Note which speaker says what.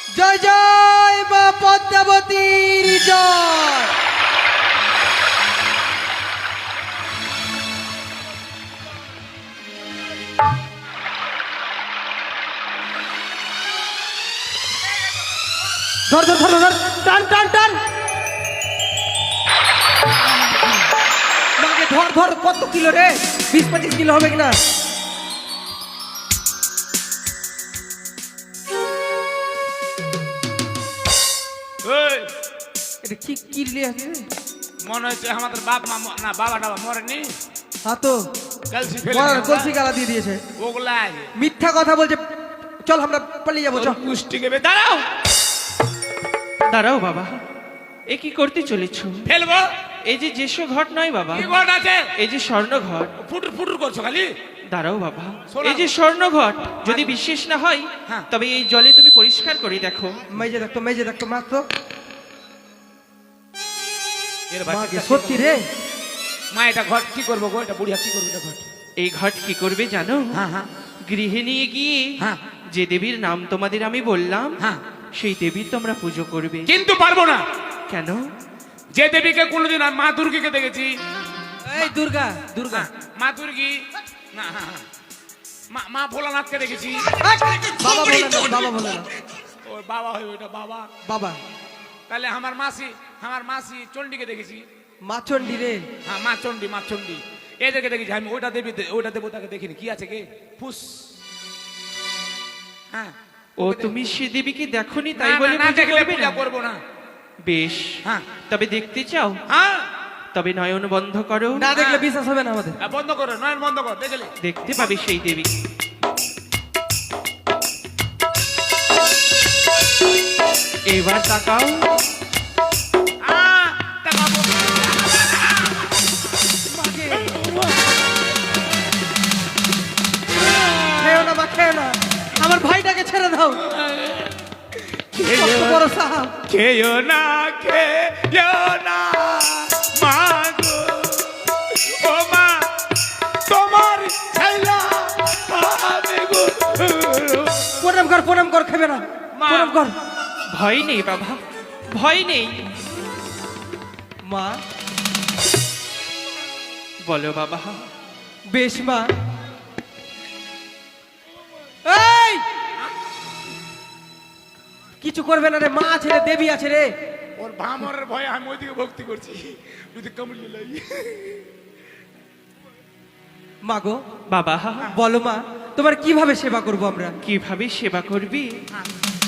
Speaker 1: জয় জয় মা পদ্মাবতীর জয়। ধর ধর ধর ধর, টান টান টান, মাকে ধর ধর। কত কিলো রে? 20-25 কিলো হবে কিনা? এটা কি কি লিয়ে আছে?
Speaker 2: মনে হচ্ছে আমাদের বাপ মা না বাবা টাবা মরেনি।
Speaker 1: হ্যাঁ তো
Speaker 2: কলসি ফেলে
Speaker 1: মরার কলসি গালা দিয়ে দিয়েছে।
Speaker 2: ওগুলা
Speaker 1: মিথ্যা কথা বলছে। চল আমরা পালিয়ে যাবো, চল।
Speaker 2: পুষ্টি কেবে দাঁড়াও
Speaker 3: দাঁড়াও বাবা, এ কি করতে চলেছ?
Speaker 2: ফেলবো।
Speaker 3: এই যে যেসো ঘট নয় বাবা,
Speaker 2: কি ঘট আছে?
Speaker 3: এই যে স্বর্ণ ঘট।
Speaker 2: ফুটুর ফুটুর করছো খালি।
Speaker 3: দাঁড়াও বাবা,
Speaker 2: সোনা
Speaker 3: এই যে স্বর্ণ ঘট যদি বিশ্বাস না হয়
Speaker 2: হ্যাঁ।
Speaker 3: তবে এই জলে তুমি পরিষ্কার করে দেখো।
Speaker 1: মেজে দেখতো, মেজে দেখতো, মাত্র।
Speaker 2: এর
Speaker 1: মা
Speaker 2: বাচ্চা
Speaker 1: কি সত্যি রে?
Speaker 2: মা এটা ঘট কি করবো গো? এটা বুড়িয়া কি করবে এটা ঘট?
Speaker 3: এই ঘট কি করবে জানো?
Speaker 2: হ্যাঁ হ্যাঁ
Speaker 3: গৃহে নিয়ে গিয়ে
Speaker 2: হ্যাঁ
Speaker 3: যে দেবীর নাম তোমাদের আমি বললাম
Speaker 2: হ্যাঁ।
Speaker 3: সেই দেবীর তোমরা পুজো করবে।
Speaker 2: কিন্তু পারবো না।
Speaker 3: কেন?
Speaker 2: যে দেবীকে কোনোদিন আমি মা দুর্গীকে দেখেছি।
Speaker 1: এই দুর্গা, দুর্গা।
Speaker 2: মা দুর্গী না, হ্যাঁ, হ্যাঁ। মা ভোলানাথকে দেখেছি।
Speaker 1: বাবা বলে না, বাবা বলে না,
Speaker 2: ওর বাবা হয় ওইটা বাবা।
Speaker 1: বাবা।
Speaker 2: তাহলে আমার মাসি চণ্ডীকে দেখেছি।
Speaker 1: মা চণ্ডী রে।
Speaker 2: হ্যাঁ মা চণ্ডী এদেরকে দেখেছি আমি। ওইটা দেবতাকে দেখিনি। কি আছে কে? ফুস। হ্যাঁ।
Speaker 3: ও তুমি সে দেবীকে দেখোনি
Speaker 2: না,
Speaker 3: তাই
Speaker 2: না,
Speaker 3: বলে
Speaker 2: না
Speaker 3: পুজো
Speaker 2: দেখলে
Speaker 3: করবে
Speaker 2: পূজা
Speaker 3: না?
Speaker 2: করবো না।
Speaker 3: বেশ,
Speaker 2: হ্যাঁ
Speaker 3: তবে দেখতে চাও?
Speaker 2: হ্যাঁ
Speaker 3: তবে নয়ন বন্ধ করো,
Speaker 1: না দেখলে বিশ্বাস হবে না আমাদের।
Speaker 2: বন্ধ করো, নয়ন বন্ধ কর, দেখলে
Speaker 3: দেখতে পাবে সেই দেবী। এবার তাকাও।
Speaker 2: তাকাবো।
Speaker 1: মাকে খেও না, মা খেও না, আমার ভাইটাকে ছেড়ে দাও। কত বড় সাহাব।
Speaker 2: খেয়েও না মা গো, ও মা তোমার ছাইলা আমি গো।
Speaker 1: প্রণাম কর, খেবে না,
Speaker 2: মা।
Speaker 1: প্রণাম কর।
Speaker 3: ভয় নেই বাবা, ভয় নেই।
Speaker 1: মা
Speaker 3: বলো বাবা।
Speaker 1: বেশ মা। এই কিছু করবে না রে, মা আছে রে, দেবী আছে রে।
Speaker 2: ওর ভামরের ভয়ে আমি ওইদিকে ভক্তি করছি। যদি কামড়িয়ে লাই।
Speaker 1: মা গো,
Speaker 3: বাবা,
Speaker 1: বলো মা, তোমার কিভাবে সেবা করব আমরা?
Speaker 3: কিভাবে সেবা করবি?